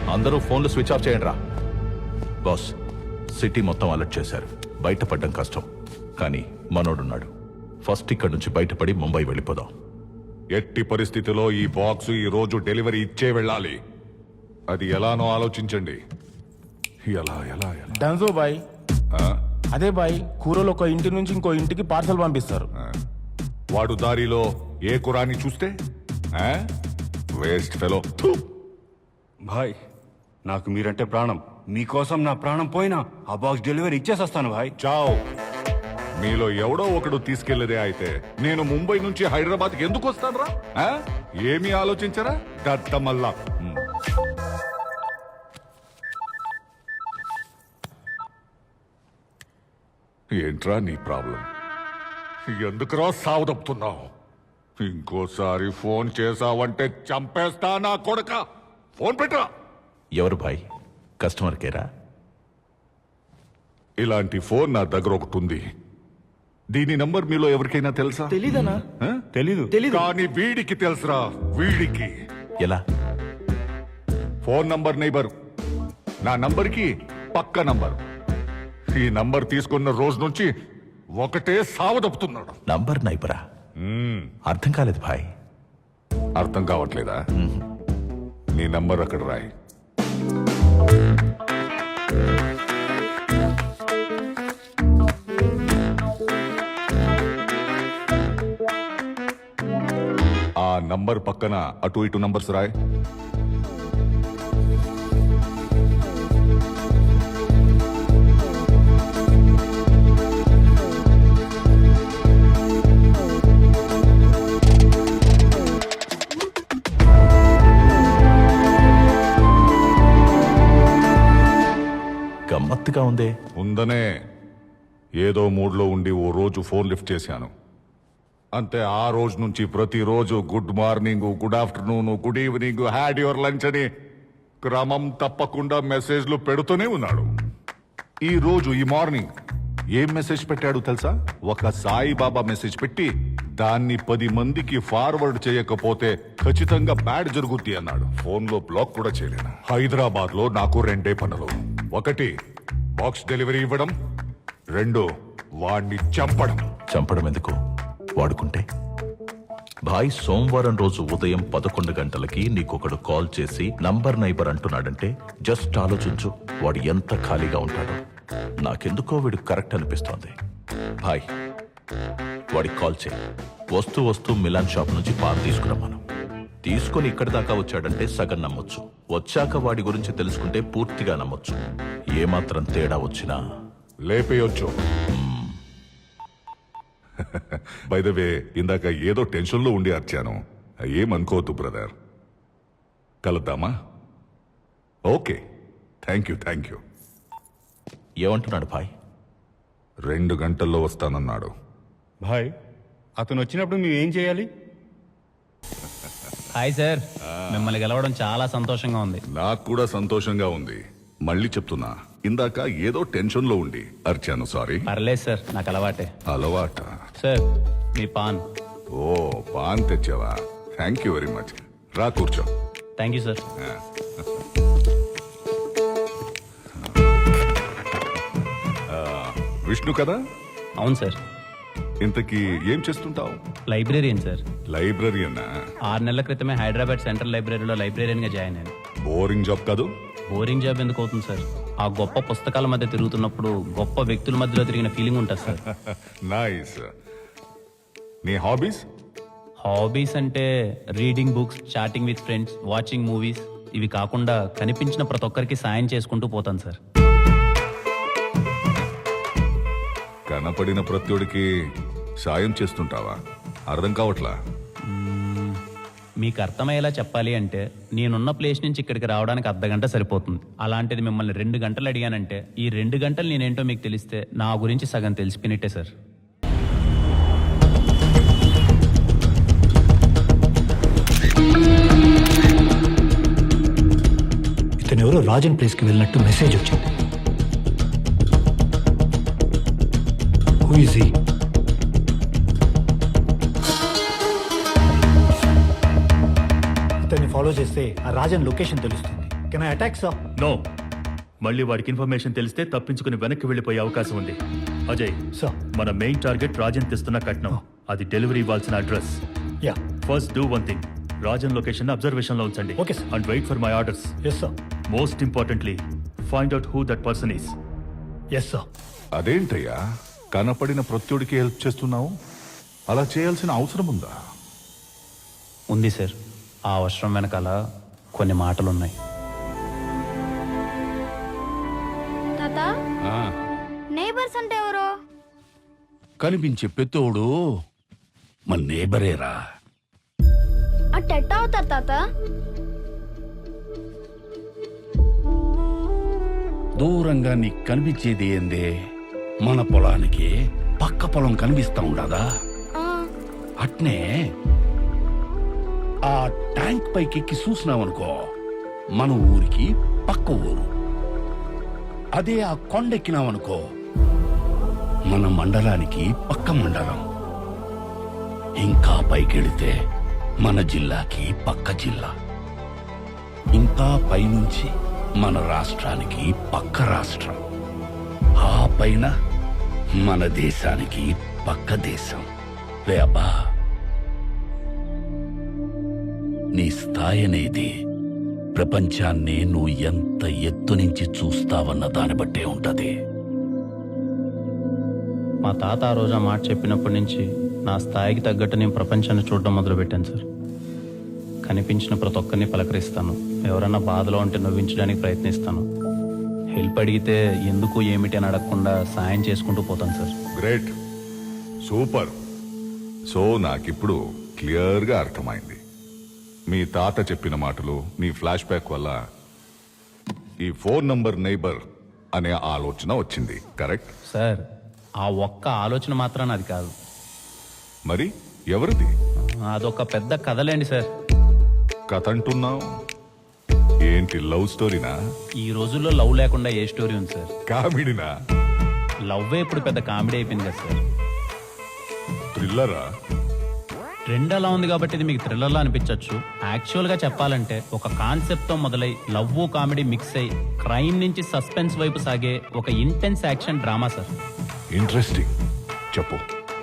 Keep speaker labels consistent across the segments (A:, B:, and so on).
A: అందరూ ఫోన్లు switch off చేయండి రా. బాస్, సిటీ మొత్తం అలర్ట్ చేశారు. బయటపడడం కష్టం, కానీ మనోడున్నాడు. ఫస్ట్ ఇక్కడి నుంచి బయటపడి ముంబై వెళ్ళిపోదాం.
B: ఎట్టి పరిస్థితిలో ఈ బాక్స్ ఈ రోజు డెలివరీ ఇచ్చే వెళ్ళాలి. అది ఎలానో ఆలోచించండి. ఎలా ఎలా ఎలా
C: డన్జో బాయ్. అదే బాయ్, కూరలు ఒక ఇంటి నుంచి ఇంకో ఇంటికి పార్సల్ పంపిస్తారు.
B: వాడు దారిలో ఏ కురాని చూస్తే వేస్ట్ ఫెలో.
D: భాయ్, నాకు మీరంటే ప్రాణం. మీకోసం నా ప్రాణం పోయినా ఆ బాక్స్ డెలివరీ ఇచ్చేసొస్తాను భాయ్.
B: చావ్. మీలో ఎవడో ఒకడు తీసుకెళ్లేదే అయితే నేను ముంబై నుంచి హైదరాబాద్కి ఎందుకు వస్తాను రా? ఏమీ ఆలోచించరా దత్తమల్లా? ఏంట్రా నీ ప్రాబ్లం? ఎందుకురా సావదప్పుతున్నావు? ఇంకోసారి ఫోన్ చేసావంటే చంపేస్తా నా కొడక. ఫోన్ పెట్టరా.
A: ఎవరు భాయ్? కస్టమర్ కేరా?
B: ఇలాంటి ఫోన్ నా దగ్గర ఒకటి ఉంది. దీని నంబర్ మీలో ఎవరికైనా తెలుసా?
C: తెలీదనా?
D: తెలీదు.
B: కానీ వీడికి తెలుసురా. వీడికి
A: ఎలా?
B: ఫోన్ నంబర్ నైబర్, నా నంబర్కి పక్క నంబర్. ఈ నంబర్ తీసుకున్న రోజు నుంచి ఒకటే సావదప్పుతున్నాడు.
A: నంబర్ నైబరా? అర్థం కాలేదు భాయ్.
B: అర్థం కావట్లేదా? నీ నంబర్ అక్కడ రాయి. ఆ నంబర్ పక్కన అటు ఇటు నంబర్స్ రాయ్.
A: గమ్మత్తుగా ఉందే.
B: ఉందనే. ఏదో మూడ్లో ఉండి ఓ రోజు ఫోన్ లిఫ్ట్ చేశాను అంతే. ఆ రోజు నుంచి ప్రతిరోజు good morning, good afternoon, good evening, had your lunch అని క్రమం తప్పకుండా మెసేజ్లు పెడుతూనే ఉన్నాడు. ఈ రోజు ఈ మార్నింగ్ ఏం మెసేజ్ పెట్టాడు తెలుసా? ఒక సాయిబాబా మెసేజ్ పెట్టి దాన్ని 10 మందికి ఫార్వర్డ్ చేయకపోతే ఖచ్చితంగా బ్యాడ్ జరుగుద్ది అన్నాడు. ఫోన్ లో బ్లాక్ కూడా చేయలేను. హైదరాబాద్ లో నాకు 2 పనులు. 1 బాక్స్ డెలివరీ ఇవ్వడం, 2 వాణ్ణి చంపడం.
A: చంపడం ఎందుకు? వాడుకుంటే. భాయ్, సోమవారం రోజు ఉదయం 11 గంటలకి నీకొకడు కాల్ చేసి నంబర్ నైబర్ అంటున్నాడంటే జస్ట్ ఆలోచించు, వాడు ఎంత ఖాళీగా ఉంటాడో. నాకెందుకో వీడు కరెక్ట్ అనిపిస్తోంది. భాయ్, వాడికి కాల్ చేయి. వస్తూ వస్తూ మిలాన్ షాప్ నుంచి పాలు తీసుకురమ్మను. తీసుకుని ఇక్కడి దాకా వచ్చాడంటే సగం నమ్మొచ్చు. వచ్చాక వాడి గురించి తెలుసుకుంటే పూర్తిగా నమ్మొచ్చు. ఏమాత్రం తేడా వచ్చినా
B: లేపేయొచ్చు. బై ద వే, ఇందాక ఏదో టెన్షన్లో ఉండి అర్చాను. ఏమనుకోవద్దు బ్రదర్. కలుద్దామా? Okay, thank you.
A: ఏమంటున్నాడు భాయ్?
B: 2 గంటల్లో వస్తానన్నాడు.
D: భాయ్, అతను వచ్చినప్పుడు మేము ఏం చేయాలి?
E: హాయ్ సార్, మిమ్మల్ని గెలవడం చాలా సంతోషంగా ఉంది.
B: నాకు కూడా సంతోషంగా ఉంది. మళ్ళీ చెప్తున్నా, ఇందాక ఏదో టెన్షన్లో ఉండి అర్చాను. సారీ.
E: పర్లేదు సార్, నాకు అలవాటే.
B: అలవాట?
E: సార్, మీ పాన్.
B: ఓ, పాన్ తెచ్చావా? Thank you very much. రా కూర్చో.
E: Thank you sir.
B: విష్ణు కదా?
E: అవును సార్.
B: ఇంతకీ ఏం చేస్తుంటావు?
E: Librarian sir.
B: లైబ్రరీయనా?
E: 6 నెలల క్రితమే హైదరాబాద్ సెంట్రల్ లైబ్రరీలో లైబ్రేరియన్గా జాయిన్ అయ్యాను.
B: బోరింగ్ జాబ్ కాదు?
E: బోరింగ్ జాబ్ ఎందుకు అవుతుంది సార్? ఆ గొప్ప పుస్తకాల మధ్య తిరుగుతున్నప్పుడు గొప్ప వ్యక్తుల మధ్యలో తిరిగిన ఫీలింగ్ ఉంటుంది సార్.
B: నైస్. నీ హాబీస్?
E: హాబీస్ అంటే reading books, chatting with friends, watching movies. ఇవి కాకుండా కనిపించిన ప్రతి ఒక్కరికి సాయం చేసుకుంటూ పోతాను సార్.
B: కనపడిన ప్రత్యుడికి సాయం చేస్తుంటావా? అర్థం కావట్లా.
E: మీకు అర్థమయ్యేలా చెప్పాలి అంటే నేనున్న ప్లేస్ నుంచి ఇక్కడికి రావడానికి అర్ధగంట సరిపోతుంది. అలాంటిది మిమ్మల్ని 2 గంటలు అడిగానంటే ఈ 2 గంటలు నేనేంటో మీకు తెలిస్తే నా గురించి సగం తెలిసిపోయినట్టే సార్.
F: ఇతను ఎవరో రాజన్ ప్లేస్కి వెళ్ళినట్టు మెసేజ్ వచ్చింది. Who is he? ఇతన్ని ఫాలో చేస్తే ఆ రాజన్ లొకేషన్ తెలుస్తుంది. Can I attack sir?
G: No, మళ్ళీ వాడికి ఇన్ఫర్మేషన్ తెలిస్తే తప్పించుకుని వెనక్కి వెళ్ళిపోయే అవకాశం ఉంది. అజయ్,
F: సార్.
G: మన మెయిన్ టార్గెట్ రాజన్ తెస్తున్న కట్నం. అది డెలివరీ ఇవ్వాల్సిన address.
F: Yeah.
G: First do one thing, Rajan location observation లో ఉంచండి.
F: Okay, sir.
G: And wait for my orders.
F: Yes sir.
G: Most importantly, find out who that person is.
F: Yes sir.
B: అదేంటయ్యా కనపడిన ప్రత్యుడికి హెల్ప్ చేస్తున్నావు? అలా చేయాల్సిన అవసరం ఉందా?
E: ఉంది సార్. ఆ అవసరం వెనకాల కొన్ని మాటలున్నాయి.
H: తాత, నేబర్స్ అంటే ఎవరు?
I: కనిపించే పెత్తోడు మన నేబరేరా.
H: అట్టెట్ట అవుతారు తాత?
I: దూరంగా నీకు కనిపించేది ఏందే? మన పొలానికి పక్క పొలం కనిపిస్తా ఉండదా? అట్నే ఆ ట్యాంక్ పైకెక్కి చూసినావనుకో, మన ఊరికి పక్క ఊరు. అదే ఆ కొండెక్కినావనుకో, మన మండలానికి పక్క మండలం. ఇంకా పైకెడితే మన జిల్లాకి పక్క జిల్లా. ఇంకా పైనుంచి మన రాష్ట్రానికి పక్క రాష్ట్రం. ఆ పైన మన దేశానికి పక్క దేశం. రే అబ్బా, నీ స్థాయి అనేది ప్రపంచాన్ని నువ్వు ఎంత ఎత్తు నుంచి చూస్తావన్న దాన్ని బట్టే ఉంటది.
E: మా తాత ఆ రోజు ఆ మాట చెప్పినప్పటి నుంచి నా స్థాయికి తగ్గట్టు నేను ప్రపంచాన్ని చూడడం మొదలుపెట్టాను సార్. కనిపించిన ప్రతి ఒక్కరిని పలకరిస్తాను. ఎవరన్నా బాధలో ఉంటే నవ్వించడానికి ప్రయత్నిస్తాను. హెల్ప్ అడిగితే ఎందుకు ఏమిటి అని అడగకుండా సాయం చేసుకుంటూ పోతాను సార్.
B: Great, super. సో నాకిప్పుడు క్లియర్గా అర్థమైంది. మీ తాత చెప్పిన మాటలు, నీ ఫ్లాష్ బ్యాక్ వల్ల ఈ 4 నంబర్ నైబర్ అనే ఆలోచన వచ్చింది. కరెక్ట్
E: సార్, ఆ ఒక్క ఆలోచన మాత్రాన అది కాదు.
B: మరి ఎవరిది?
E: అదొక పెద్ద కథలేండి సార్.
B: కథ అంటున్నావు ఏంటి? లవ్ స్టోరీనా?
E: ఈ రోజుల్లో లవ్ లేకుండా ఏ స్టోరీ ఉంది సార్?
B: కామెడీనా?
E: లవ్వే ఇప్పుడు పెద్ద కామెడీ అయిపోయింది కదా సార్.
B: థ్రిల్లరా?
E: ట్రెండ్ అలా ఉంది కాబట్టి ఇది మీకు థ్రిల్లర్లా అనిపించవచ్చు. యాక్చువల్గా చెప్పాలంటే ఒక కాన్సెప్ట్తో మొదలై లవ్ కామెడీ మిక్స్ అయి క్రైమ్ నుంచి సస్పెన్స్ వైపు సాగే ఒక intense action drama sir.
B: Interesting, చెప్పు.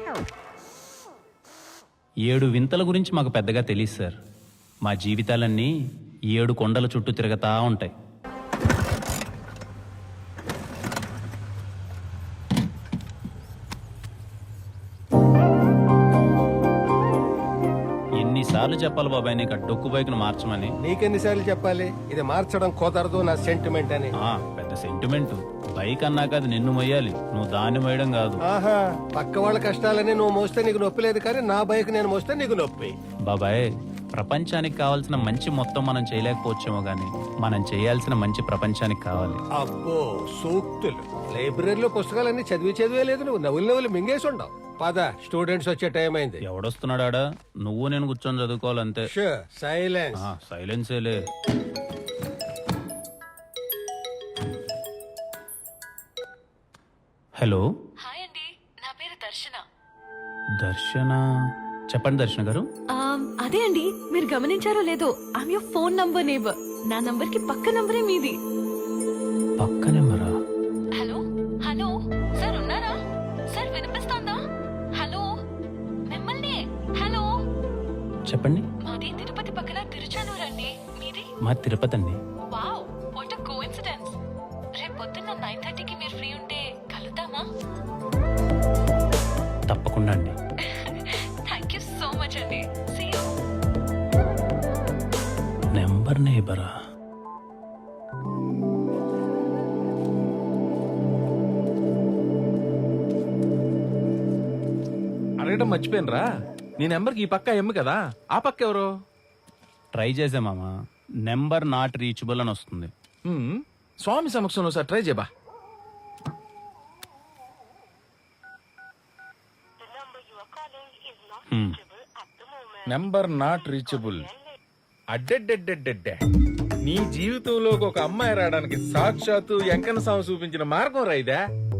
E: 7 వింతల గురించి మాకు పెద్దగా తెలియదు సార్. మా జీవితాలన్నీ 7 కొండల చుట్టూ తిరగతా ఉంటాయి. ఎన్నిసార్లు చెప్పాలి బాబాయ్ నీకు ఆ డొక్కు బైక్ను మార్చమని?
J: నీకెన్నిసార్లు చెప్పాలి ఇది మార్చడం కుదరదు నా సెంటిమెంట్ అని?
E: పెద్ద సెంటిమెంట్. బైక్ అన్నాక అది నిన్ను మొయ్యాలి, నువ్వు దాన్ని మొయ్యడం కాదు.
J: ఆహా, పక్క వాళ్ళ కష్టాలని నువ్వు మోస్తే నీకు నొప్పి లేదు, కానీ నా బైక్ నేను మోస్తే నీకు నొప్పి.
E: బాబాయ్, ప్రపంచానికి కావాల్సిన మంచి మొత్తం మనం చేయలేకపోవచ్చేమో గానీ మనం చేయాల్సిన మంచి ప్రపంచానికి కావాలి.
J: అబ్బో సూక్తులు! లైబ్రరీలో పుస్తకాలన్నీ చదివే లేదు, నువ్వు నవ్వులు మింగేసి ఉండవు. పద, స్టూడెంట్స్ వచ్చే టైం అయింది.
E: ఎవడొస్తున్నాడా? నువ్వు నేను కూర్చొని చదువుకోవాలంతే.
J: సైలెన్స్.
E: సైలెన్సేలే. హలో.
K: హాయ్ అండి, నా పేరు దర్శన.
E: దర్శన? చెప్పండి దర్శన గారు.
K: అదే అండి, మీరు గమనించారో లేదో, I'm your phone number neighbour. నా నంబర్ కి పక్క నంబరే మీది.
E: పక్క నెంబరా?
K: హలో హలో, సార్ ఉన్నారా? సార్ వినిపిస్తోందా? హలో, మిమ్మల్ని. హలో,
E: చెప్పండి.
K: మాది తిరుపతి పక్కన తిరుచానూరు అండి. మీది?
E: మా తిరుపతి అండి.
K: Wow, what a coincidence. రేపు పొద్దున్న 9:30కి మీరు ఫ్రీ ఉంటే కలుద్దామా?
E: తప్పకుండా అండి.
K: థ్యాంక్ యూ సో మచ్ అండి. See you.
E: నెంబర్ నేబరా?
C: అడగడం మర్చిపోయినరా, నీ నెంబర్కి ఈ పక్క ఎమ్ము కదా, ఆ పక్క ఎవరు?
E: ట్రై చేసే మామ, నెంబర్ నాట్ రీచబుల్ అని వస్తుంది.
C: స్వామి సమక్షంలో సార్ ట్రై చేయబా. Number not reachable. అడ్డెడ్డెడ్డెడ్డెడ్డే, నీ జీవితంలోకి ఒక అమ్మాయి రావడానికి సాక్షాత్తు వెంకన్న స్వామి చూపించిన మార్గం రైదా.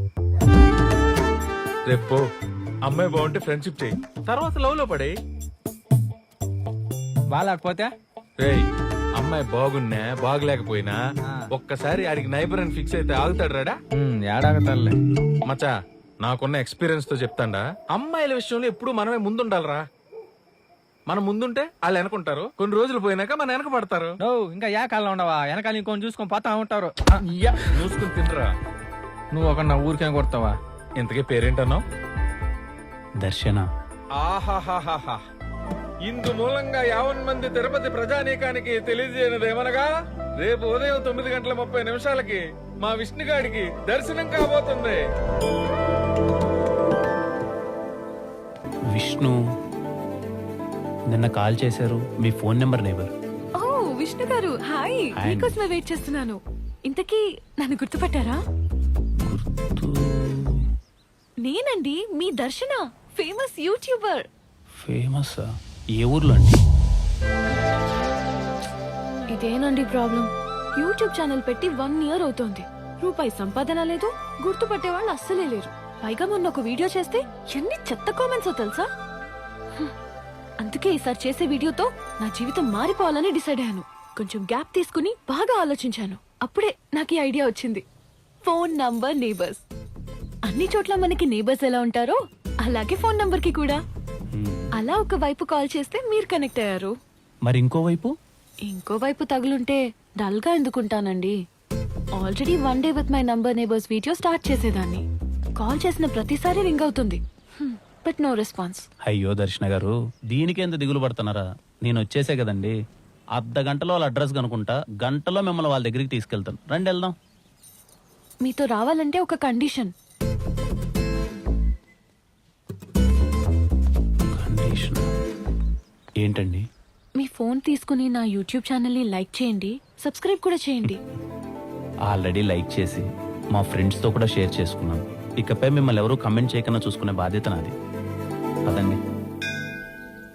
C: రేపు అమ్మాయి బాగుంటే ఫ్రెండ్షిప్ చేయి, తర్వాత లవ్ లో పడే.
J: బాగాలేకపోతే
C: రేయ్, అమ్మాయి బాగున్నా బాగలేకపోయినా ఒక్కసారి ఆడికి నైబర్ అని ఫిక్స్ అయితే ఆగుతాడు రాడా
L: ఏడాగతారులే.
C: మచా నాకున్న ఎక్స్పీరియన్స్ తో చెప్తాండా అమ్మాయిల విషయంలో ఎప్పుడు మనమే ముందుండాలరా. మనం ముందుంటే వాళ్ళు వెనకుంటారు, కొన్ని రోజులు పోయినాక మన వెనక పడతారు.
L: ఇంకా ఏ కాలంలో ఉండవా? వెనకాల ఇంకొని చూసుకొని పోతా ఉంటారు.
C: చూసుకుని తినరా.
L: నువ్వు ఒక నా ఊరికే కొడతావా?
C: ఇంతకీ పేరేంటన్నావు?
E: దర్శన.
C: ఆహాహాహా, ఇందు మూలంగా 50 మంది తిరుపతి ప్రజానీకానికి తెలియజేయనిదేమనగా రేపు ఉదయం 9:30 మా విష్ణుగాడికి దర్శనం కాబోతుంది.
E: విష్ణు నిన్న కాల్ చేశారు, మీ ఫోన్ నెంబర్ నేబర్.
K: ఓ విష్ణు గారు, హాయ్.
E: హాయ్.
K: మీకోసమే వెయిట్ చేస్తున్నాను. ఇంతకీ నన్ను గుర్తుపట్టారా? నేనండి మీ దర్శన, ఫేమస్ యూట్యూబర్.
E: ఫేమస్? ఏ ఊర్లో అండి?
K: ఇదేనండి ప్రాబ్లం. యూట్యూబ్ ఛానల్ పెట్టి 1 ఇయర్ అవుతోంది. రూపాయి సంపాదన లేదు, గుర్తుపట్టే వాళ్ళు అస్సలే లేరు. పైగా మొన్న ఒక వీడియో చేస్తే ఎన్ని చెత్త కామెంట్స్ తెలుసా? అందుకే ఈసారి చేసే వీడియోతో నా జీవితం మారిపోవాలని డిసైడ్ అయ్యాను. కొంచెం గ్యాప్ తీసుకుని బాగా ఆలోచించాను. అప్పుడే నాకు ఈ ఐడియా వచ్చింది. Phone number neighbours. అన్ని చోట్ల మనకి నేబర్స్ ఎలా ఉంటారో అలాగే ఫోన్ నంబర్ కి కూడా. అలా ఒక వైపు కాల్ చేస్తే మీరు కనెక్ట్ అయ్యారు.
E: మరి ఇంకోవైపు?
K: ఇంకోవైపు తగులుంటే డల్ గా ఎందుకుంటానండి? Already 1 day with my number neighbours video start చేసేదాన్ని. కాల్ చేసిన ప్రతిసారి రింగ్ అవుతుంది, బట్ నో రెస్పాన్స్.
E: అయ్యో దర్శన గారు, దీనికి ఎంత దిగులు పడుతున్నారా? నేను వచ్చేసే కదండి. అర్ధ గంటలో వాళ్ళ అడ్రస్ కనుకుంటా, గంటలో మిమ్మల్ని వాళ్ళ దగ్గరికి తీసుకెళ్తాను. రండి వెళ్దాం.
K: మీతో రావాలంటే ఒక కండిషన్.
E: కండిషన్ ఏంటండి?
K: మీ ఫోన్ తీసుకుని నా యూట్యూబ్ ఛానల్ ని లైక్ చేయండి, సబ్స్క్రైబ్ కూడా చేయండి.
E: ఆల్రెడీ లైక్ చేసి మా ఫ్రెండ్స్తో కూడా షేర్ చేసుకున్నాను. ఇకపై మిమ్మల్ని ఎవరూ కమెంట్ చేయకుండా చూసుకునే బాధ్యత నాది. పదండి.